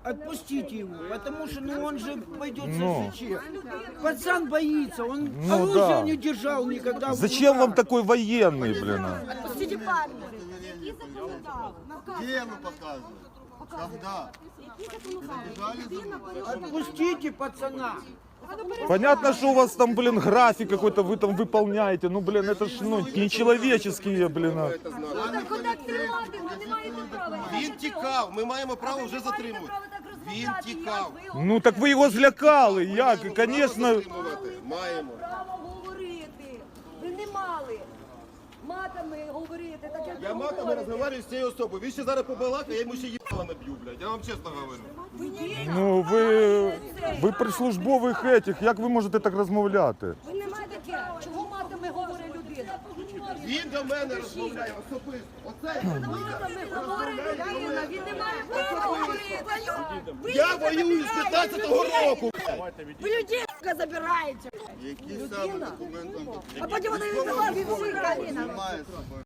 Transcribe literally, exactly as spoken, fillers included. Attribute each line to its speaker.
Speaker 1: отпустите его, потому что ну, он же пойдет
Speaker 2: Ну.
Speaker 1: со СЖЧ. Пацан боится, он
Speaker 2: Ну,
Speaker 1: оружие
Speaker 2: да.
Speaker 1: не держал никогда. в
Speaker 2: Зачем вам
Speaker 1: руках.
Speaker 2: такой военный, блин? а?
Speaker 3: Отпустите парня.
Speaker 4: Где мы показываем? Когда?
Speaker 1: Отпустите пацана.
Speaker 2: Понятно, что у вас там, блин, график какой-то вы там выполняете. Ну, блин, это ж ну, нечеловеческие, блин. а.
Speaker 3: Куди тримати? Ви не маєте права.
Speaker 4: Він тікав, ми маємо право вже затримувати. Він тікав.
Speaker 2: Ну так ви його злякали. Як? Звісно.
Speaker 4: Затримувати маємо.
Speaker 3: Право говорити. Ви не мали матами говорити. Так як
Speaker 4: Я
Speaker 3: ви
Speaker 4: матами
Speaker 3: говорите.
Speaker 4: розмовляю з цією особою. Він ще зараз побалакає, я йому ще їбало наб'ю, блядь. Я вам чесно говорю.
Speaker 2: Ну ви, ви при службових етіх, як ви можете так розмовляти?
Speaker 3: Ви не маєте таке. Чого матами говорить людина?
Speaker 4: Він до мене розмовляє особисто. Оце
Speaker 3: Матами говорить людина. Він не має права говорити.
Speaker 4: я воюю з п'ятнадцятого року.
Speaker 3: Ви людей забираєте.
Speaker 4: Які саме документи?
Speaker 3: А потім вони віддавали всі, Галіна.
Speaker 4: Немає з собою.